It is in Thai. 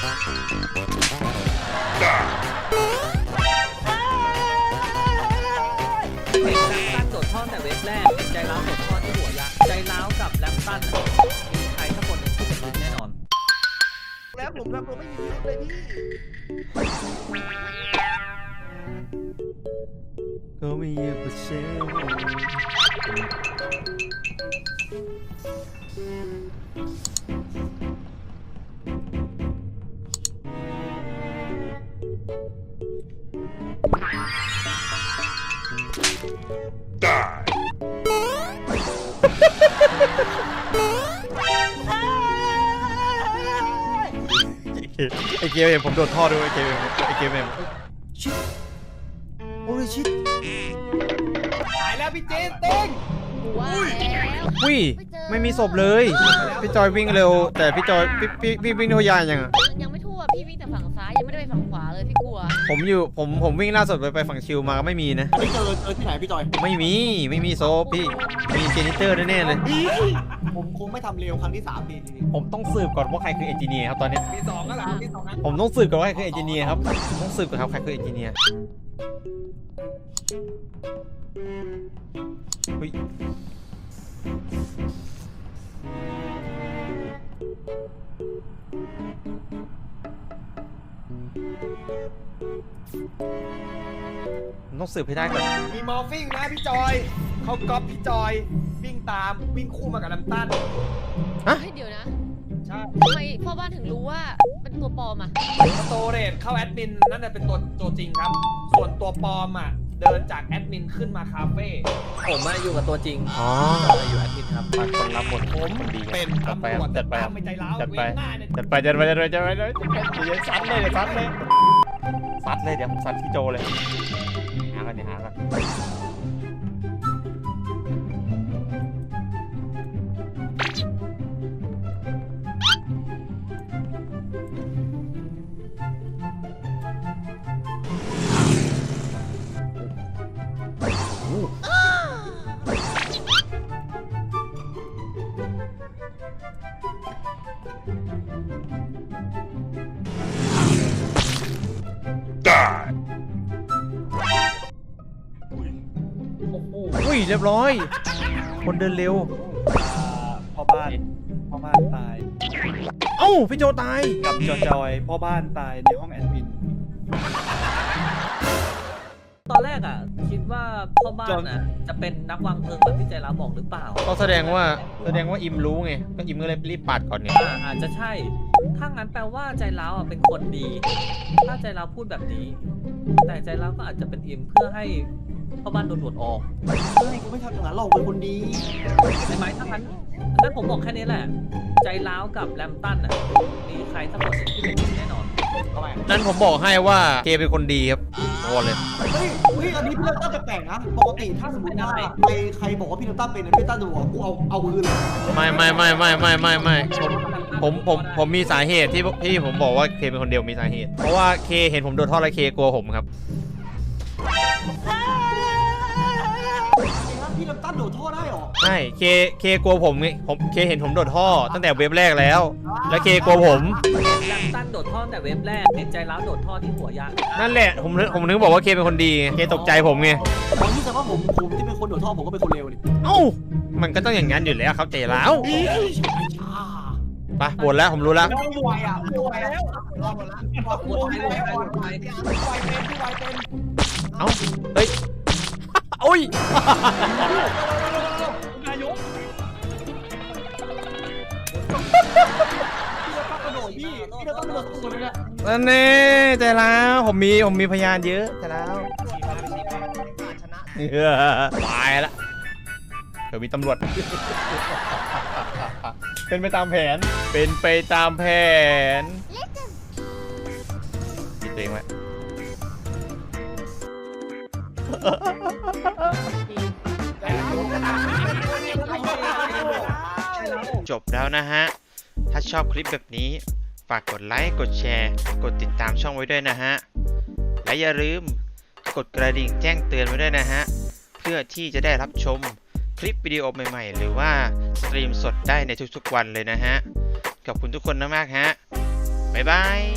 เห็นแลมตันโดดท่อแต่เว็บแรกเห็นใจร้าวโดดท่อที่หัวยักษ์ใจร้าวกับแลมตันมีใครสักคนหนึ่งที่เป็นพิษแน่นอนแล้วผมทำตัวไม่มีพิรุธเลยพี่ก็ไม่อยากเชื่ไอเกมเองผมโดดท่อด้วยไอเกมเองชิดโอ้ยชิดหายแล้วพี่เจนเต้งว้าววิ่ไม่มีศพเลยพี่จอยวิ่งเร็วแต่พี่จอยพี่วิ่งทั่วยานยังยังไม่ทั่วพี่วิ่งแต่ฝั่งซ้ายยังไม่ได้ไปฝั่งขวาเลยพี่กลัวผมวิ่งล่าสุดไปฝั่งชิวมาก็ไม่มีนะอันนี้เจอที่ไหนพี่จอยไม่มีศพพี่มีเจนิเตอร์แน่ๆเลยผมคงไม่ทำเร็วครั้งที่3ทีนี้ผมต้องสืบก่อนว่าใครคือเอนจิเนียร์ครับตอนนี้มี2ก็หลังมี2นะผมต้องสืบก่อนว่าใครคือเอนจิเนียร์ครับต้องสืบก่อนครับใครคือเอนจิเนียร์เฮ้ยต้องสืบให้ได้ก่อนมีมอร์ฟิงนะพี่จอยเขาก๊อปพี่จอยวิ่งตามวิ่งคู่มากับน้ำตันเดี๋ยวนะใช่ทำไมพ่อบ้านถึงรู้ว่าเป็นตัวปลอมอ่ะสโตเรจเข้าแอดมินนั่นน่ะเป็นตัวจริงครับส่วนตัวปลอมอ่ะเดินจากแอดมินขึ้นมาคาเฟ่ผมอยู่กับตัวจริงอยู่แอดมินครับคนรับบทผมเป็นตำรวจจัดไปไม่ใจร้าวจัดไปซัดเลยซัดเลยเดี๋ยวผมซัดพี่โจเลยหากันอุ้ยเรียบร้อยคนเดินเร็วพ่อบ้านตายเอ้าพี่โจตายกับจอยพ่อบ้านตายในห้องแอดมินตอนแรกคิดว่าพ่อบ้านจะเป็นนักวางเพลิงแบบที่ใจร้าวบอกหรือเปล่าก็แสดงว่าอิมรู้ไงก็อิมก็เลยรีบปัดก่อนไงอาจจะใช่ถ้างั้นแปลว่าใจร้าวเป็นคนดีถ้าใจร้าวพูดแบบนี้แต่ใจร้าวก็อาจจะเป็นอิมเพื่อให้พ่อบ้านโดนตรวจออกกูไม่ทำอย่างนั้นหรอกเป็นคนดีใช่ไหมถ้างั้นผมบอกแค่นี้แหละใจร้าวกับแลมตันมีใครสักคนที่เป็นแน่นอนนั่นผมบอกให้ว่าเคเป็นคนดีครับโอ้เลยเฮ้ยอันนี้พี่ตั้มแปลกนะปกติถ้าสมมติว่าใครบอกว่าพี่ตั้มเป็นพี่ตั้มดูกูเอาคืนเลยไม่ผมมีสาเหตุที่ผมบอกว่าเคเป็นคนเดียวมีสาเหตุเพราะว่าเคเห็นผมโดนท่อแล้วเคกลัวผมครับพี่น้ำตั้นโดดท่อได้หรอใช่เคกลัวผมเคเห็นผมโดดท่อตั้งแต่เว็บแรกแล้วเคกลัวผมน้ำตั้นโดดท่อแต่เว็บแรกเห็นใจร้าวโดดท่อที่หัวยักษ์นั่นแหละผมนึกบอกว่าเคเป็นคนดีเคตกใจผมไงผมคิดว่าผมที่เป็นคนโดดท่อผมก็เป็นคนเลวดิเอ้ามันก็ต้องอย่างนั้นอยู่แล้วครับใจร้าวไปปวดแล้วผมรู้แล้วไม่ไหวไม่ไหวแล้วรอหมดแล้วเอ้าเฮ้ยโอ้ยนายกพี่ต้องกระโดดตัวเลยนั่นแน่ใจแล้วผมมีพยานเยอะใจแล้วตายละเดี๋ยวมีตำรวจเป็นไปตามแผนปิดตัวเองไว้จบแล้วนะฮะถ้าชอบคลิปแบบนี้ฝากกดไลค์กดแชร์กดติดตามช่องไว้ด้วยนะฮะและอย่าลืมกดกระดิ่งแจ้งเตือนไว้ด้วยนะฮะเพื่อที่จะได้รับชมคลิปวิดีโอใหม่ๆหรือว่าสตรีมสดได้ในทุกๆวันเลยนะฮะขอบคุณทุกคนมากๆฮะบ๊ายบาย